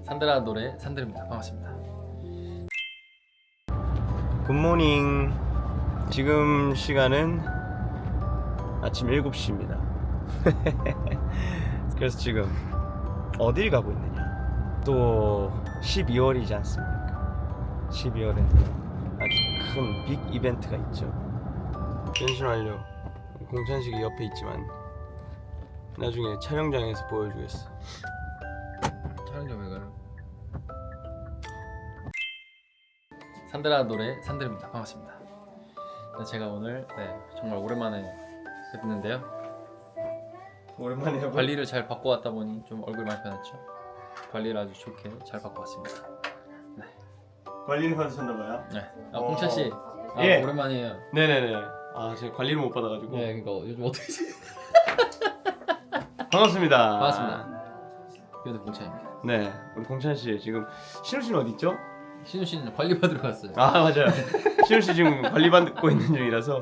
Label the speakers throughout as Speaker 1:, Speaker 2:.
Speaker 1: 산드라 노래 산드입니다. 반갑습니다.
Speaker 2: 굿모닝. 지금 시간은 아침 7시입니다. 그래서 지금 어딜 가고 있느냐, 또 12월이지 않습니까? 12월엔 아주 큰 빅 이벤트가 있죠. 변신 완료. 공찬식이 옆에 있지만 나중에 촬영장에서 보여주겠어.
Speaker 1: 촬영장 왜 가요? 산드라 노래 산드입니다. 반갑습니다. 제가 오늘 정말 오랜만에 뵙는데요.
Speaker 2: 오랜만에 해봐.
Speaker 1: 관리를 잘 받고 왔다 보니 좀 얼굴 많이 변했죠. 관리를 아주 좋게 잘 받고 왔습니다.
Speaker 2: 관리는 받으셨나봐요.
Speaker 1: 네. 공찬 씨,
Speaker 2: 예.
Speaker 1: 오랜만이에요.
Speaker 2: 네네네. 아, 제가 관리를 못 받아가지고.
Speaker 1: 네, 그러니까 요즘 어떻게 지?
Speaker 2: 반갑습니다.
Speaker 1: 반갑습니다. 이것도 공찬입니다.
Speaker 2: 네, 우리 공찬 씨 지금 신우 씨는 어디 있죠?
Speaker 1: 신우 씨는 관리 받으러 갔어요.
Speaker 2: 아, 맞아요. 신우 씨 지금 관리 받고 있는 중이라서.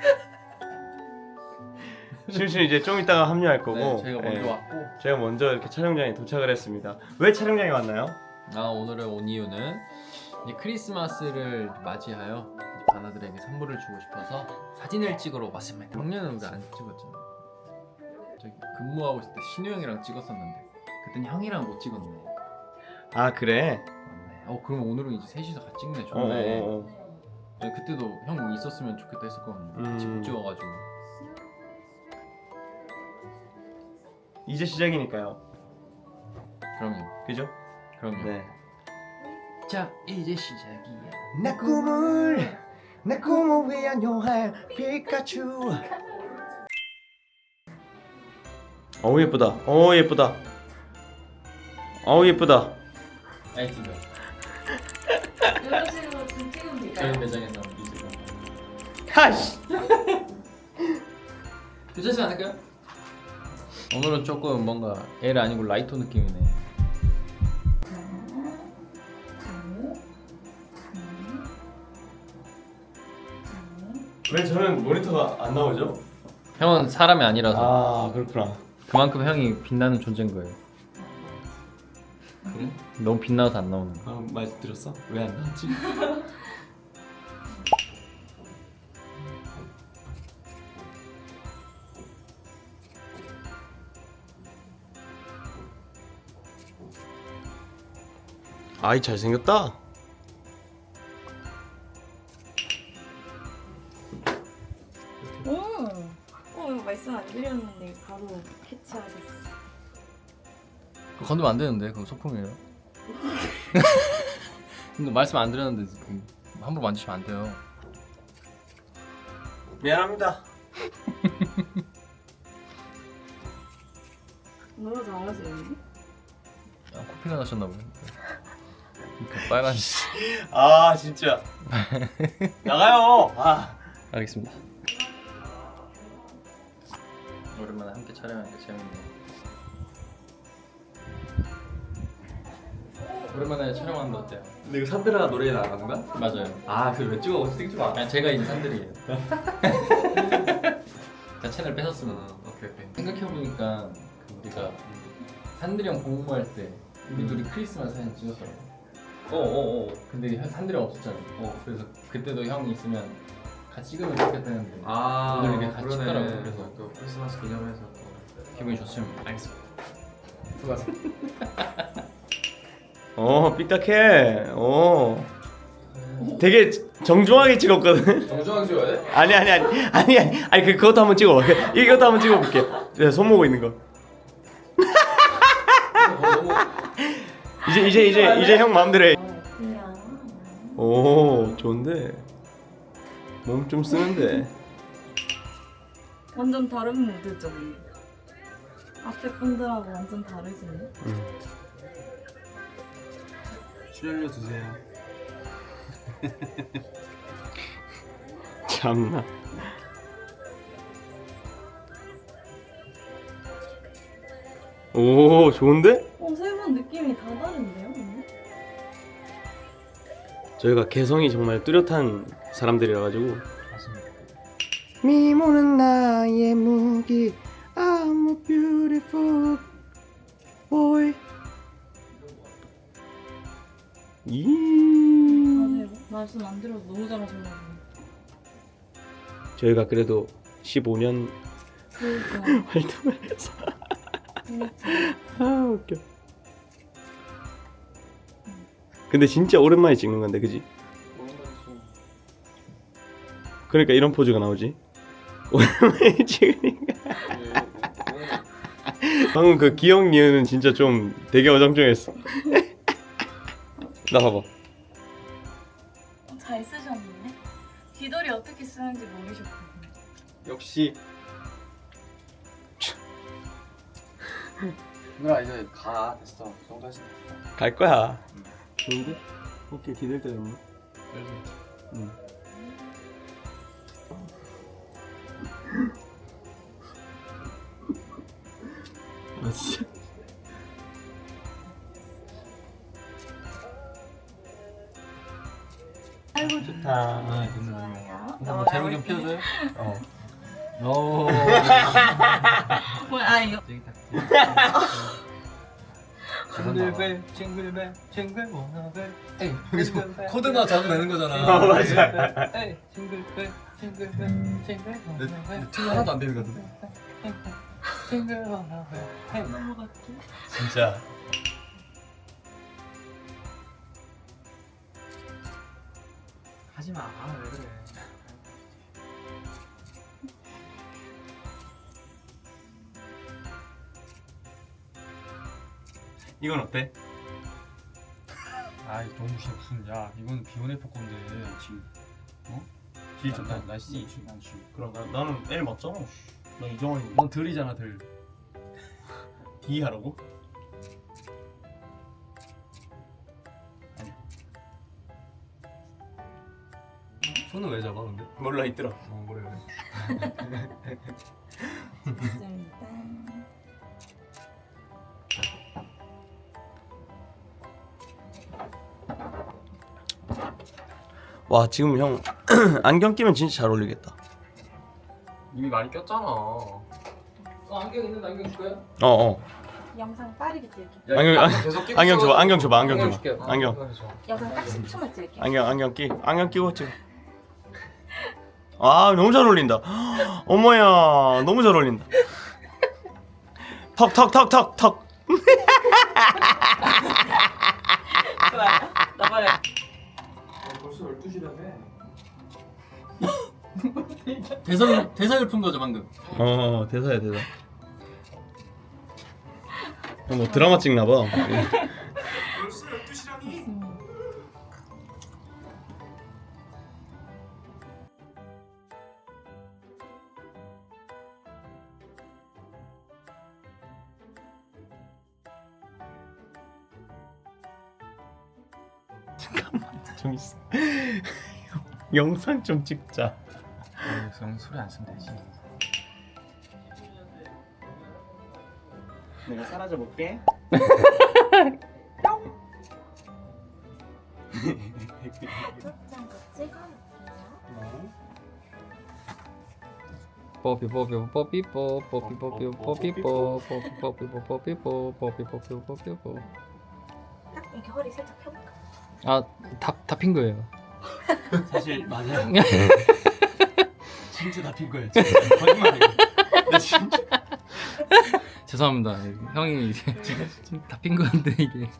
Speaker 2: 신우 씨는 이제 좀 이따가 합류할 거고.
Speaker 1: 네, 저희가 먼저 왔고.
Speaker 2: 제가 먼저 이렇게 촬영장에 도착을 했습니다. 왜 촬영장에 왔나요?
Speaker 1: 오늘은 온 이유는 이제 크리스마스를 바지하여 바나들에게 선물을 주고 싶어서 사진을 찍으러 왔습니다. 작년에 우리 안 찍었잖아. 저기 근무하고 있을 때 신우 형이랑 찍었었는데 그땐 형이랑 못 찍었네.
Speaker 2: 아, 그래?
Speaker 1: 맞네. 그럼 오늘은 이제 셋이서 같이 찍네. 좋네.
Speaker 2: 어.
Speaker 1: 네, 그때도 형 있었으면 좋겠다 했었거든요. 같이 못 찍어가지고.
Speaker 2: 이제 시작이니까요.
Speaker 1: 그럼요.
Speaker 2: 그죠?
Speaker 1: 그럼요.
Speaker 2: 네.
Speaker 1: 자, 이제 시작이야.
Speaker 2: 내 꿈을 위한 여행 피카츄. 어우 예쁘다. 어우 예쁘다. 어우 예쁘다.
Speaker 1: 아이티가
Speaker 3: 이런 식으로 좀 찍으면
Speaker 1: 저희
Speaker 3: 될까요?
Speaker 1: 매장에서 이제
Speaker 2: 하씨.
Speaker 1: 괜찮지 않을까요? 오늘은 조금 뭔가 L 아니고 라이터 느낌이네.
Speaker 2: 왜 저는 모니터가 안 나오죠?
Speaker 1: 형은 사람이 아니라서
Speaker 2: 아, 그렇구나.
Speaker 1: 그만큼 형이 빛나는 존재인 거예요.
Speaker 2: 그래?
Speaker 1: 너무 빛나서 안 나오는 거.
Speaker 2: 말 들었어? 왜 안 나왔지? 아이 잘생겼다.
Speaker 3: 이거 말씀 안 드렸는데 바로 캐치하셨어.
Speaker 1: 그거 건드면 안 되는데 그거 소품이에요. 근데 말씀 안 드렸는데 함부로 만지시면 안 돼요.
Speaker 2: 미안합니다.
Speaker 3: 너무 잘하시는데?
Speaker 1: 코피가 나셨나 보네. 그 빨간.
Speaker 2: 아 진짜. 나가요. 아.
Speaker 1: 알겠습니다. 오랜만에 함께 촬영하니까 재밌네요. 오랜만에 촬영하는데 어때요?
Speaker 2: 근데 이거 산드라 노래 나간 거야?
Speaker 1: 맞아요.
Speaker 2: 아, 그걸 왜 찍어? 찍지 마.
Speaker 1: 그냥 제가 있는 산들이에요. 제가 채널 뺏었습니다.
Speaker 2: 오케이.
Speaker 1: 생각해보니까 우리가 산들이 형 공부할 때 우리 둘이 크리스마스 사진 찍었더라고. 근데 산들이 형 없었잖아. 그래서 그때도 형이 있으면 같이 찍으면 좋겠다 했는데 오늘 이렇게 같이 찍더라고. 그래서
Speaker 4: 또 크리스마스 기념해서
Speaker 1: 기분이 좋습니다.
Speaker 4: 알겠습니다.
Speaker 1: 수고하셨습니다.
Speaker 2: 삐딱해. 되게 정중하게 찍었거든.
Speaker 4: 정중하게 찍어야 돼?
Speaker 2: 아니 그것도 한번 찍어. 이것도 한번 찍어볼게. 내가 손 모고 있는 거. 이제 형 마음대로 해. 오, 좋은데. 몸 좀 쓰는데.
Speaker 3: 완전 다른 무드죠. 앞에 분들하고 완전 다르시네.
Speaker 4: 출연료 주세요.
Speaker 2: 참나. 오, 좋은데?
Speaker 3: 세 분 느낌이 다 다른데요? 오늘?
Speaker 2: 저희가 개성이 정말 뚜렷한 사람들이라 가지고.
Speaker 1: 맞습니다.
Speaker 2: 미모는 나의 무기. I'm a beautiful boy. 이
Speaker 3: 맞아요. 말씀 안 들어도 너무 잘하셔가지고.
Speaker 2: 저희가 그래도 15년
Speaker 3: 그러니까.
Speaker 2: 활동을 해서
Speaker 3: 그렇죠.
Speaker 2: 아 웃겨. 근데 진짜 오랜만에 찍는 건데 그지? 그러니까 이런 포즈가 나오지. 오랜만에 찍으니까. 방금 그 기억 니은은 진짜 좀 되게 어정쩡했어. 나 봐봐.
Speaker 3: 잘 쓰셨네. 귀돌이 어떻게 쓰는지 모르셨거든요.
Speaker 2: 역시
Speaker 4: 누나 이제 가. 됐어. 그 정도 하시면 됐어.
Speaker 2: 갈 거야. 좋은데? 오케이 기댈 데가 있네. 응. 아 진짜.
Speaker 3: 아이고
Speaker 2: 좋다.
Speaker 1: 아,
Speaker 3: 좋아요.
Speaker 1: 뭐 제목 좀 피워줘요?
Speaker 2: 어.
Speaker 1: 오.
Speaker 3: 뭐야? 아 이거.
Speaker 1: 징글벨 징글벨 징글벨 에이 여기서 코드가 자주 내는 거잖아.
Speaker 2: 맞아.
Speaker 1: 에이 징글벨 징글벨 징글벨 티 하나도 안 되는 거 같은데. 징글벨
Speaker 3: 넘어갈게.
Speaker 2: 진짜.
Speaker 1: 하지마. 왜 그래.
Speaker 2: 이건 어때?
Speaker 1: 아이 너무 무슨 야 이건 비오네포 건데 지금
Speaker 2: G 좋다.
Speaker 1: 나 C.
Speaker 4: 난 G.
Speaker 2: 그럼 나는 L 맞잖아. 나 이정환이
Speaker 1: 넌 들이잖아 들.
Speaker 2: D 하라고?
Speaker 1: 손은 왜 잡아 근데?
Speaker 2: 몰라 있더라.
Speaker 1: 그래.
Speaker 3: 좋습니다.
Speaker 2: 와 지금 형 안경 끼면 진짜 잘 어울리겠다.
Speaker 4: 이미 많이 꼈잖아.
Speaker 1: 안경 있는데 안경 줄까요?
Speaker 2: 어어.
Speaker 3: 영상 빠르게 찍을게.
Speaker 4: 계속 끼고
Speaker 2: 안경 줘봐. 안경 줘봐. 안경
Speaker 1: 안경
Speaker 2: 줘봐.
Speaker 1: 줄게요.
Speaker 2: 안경.
Speaker 3: 영상 딱 10초만 찍을게.
Speaker 2: 안경 끼고 찍어. 아 너무 잘 어울린다. 어머야 너무 잘 어울린다. 턱.
Speaker 3: 나발에.
Speaker 4: 벌써 12시라며.
Speaker 1: 대사를 푼 거죠 방금.
Speaker 2: 대사야 대사. 뭐 드라마 찍나 봐.
Speaker 4: 벌써 12시라니.
Speaker 2: 좀 있어. 영상 좀 찍자.
Speaker 1: 형 소리 안 쓰면 되지.
Speaker 2: 내가 사라져 볼게.
Speaker 3: 짠거 찍어요. 딱 이렇게 허리 살짝 펴볼까?
Speaker 1: 아다핀 거예요.
Speaker 2: 사실 맞아. 진짜 다 핀 거야. 거짓말이야. 나 진짜.
Speaker 1: 죄송합니다. 형이 이제 다핀 건데 이게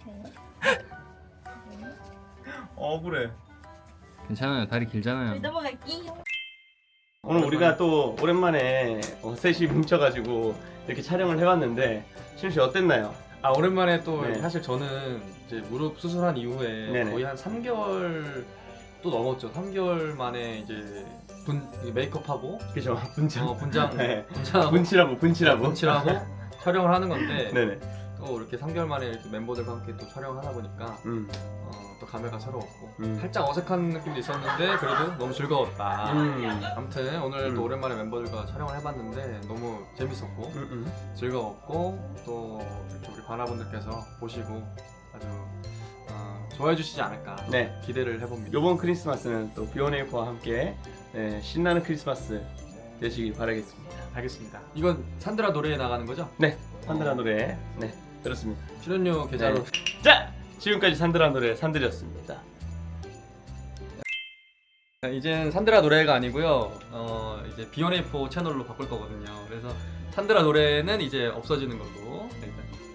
Speaker 2: 억울해.
Speaker 1: 괜찮아요. 다리 길잖아요.
Speaker 3: 넘어갈게요.
Speaker 2: 오늘 우리가 또 오랜만에 셋이 뭉쳐가지고 이렇게 촬영을 해봤는데 신우 씨 어땠나요?
Speaker 1: 아 오랜만에 또
Speaker 2: 네.
Speaker 1: 사실 저는 이제 무릎 수술한 이후에
Speaker 2: 네네.
Speaker 1: 거의 한 3개월 또 넘었죠. 3개월 만에 이제 메이크업하고
Speaker 2: 그죠? 분장.
Speaker 1: 분장
Speaker 2: 네.
Speaker 1: 분장하고
Speaker 2: 분칠하고.
Speaker 1: 분칠하고 촬영을 하는 건데
Speaker 2: 네네.
Speaker 1: 또 이렇게 3개월 만에 이렇게 멤버들과 함께 또 촬영을 하다 보니까 또 감회가 새로웠고 살짝 어색한 느낌도 있었는데 그래도 너무 즐거웠다. 아무튼 오늘 또 오랜만에 멤버들과 촬영을 해봤는데 너무 재밌었고 즐거웠고 또 이렇게 우리 바나분들께서 보시고 아주 좋아해 주시지 않을까
Speaker 2: 네.
Speaker 1: 기대를 해봅니다.
Speaker 2: 요번 크리스마스는 또 비오네이프와 함께 신나는 크리스마스 되시길 바라겠습니다.
Speaker 1: 알겠습니다. 이건 산드라 노래에 나가는 거죠?
Speaker 2: 네. 산드라 노래. 네. 그렇습니다.
Speaker 1: 출연료 계좌로
Speaker 2: 자! 지금까지 산드라 노래 산들이었습니다.
Speaker 5: 이젠 산드라 노래가 아니고요. 이제 B1A4 채널로 바꿀 거거든요. 그래서 산드라 노래는 이제 없어지는 걸로. 네,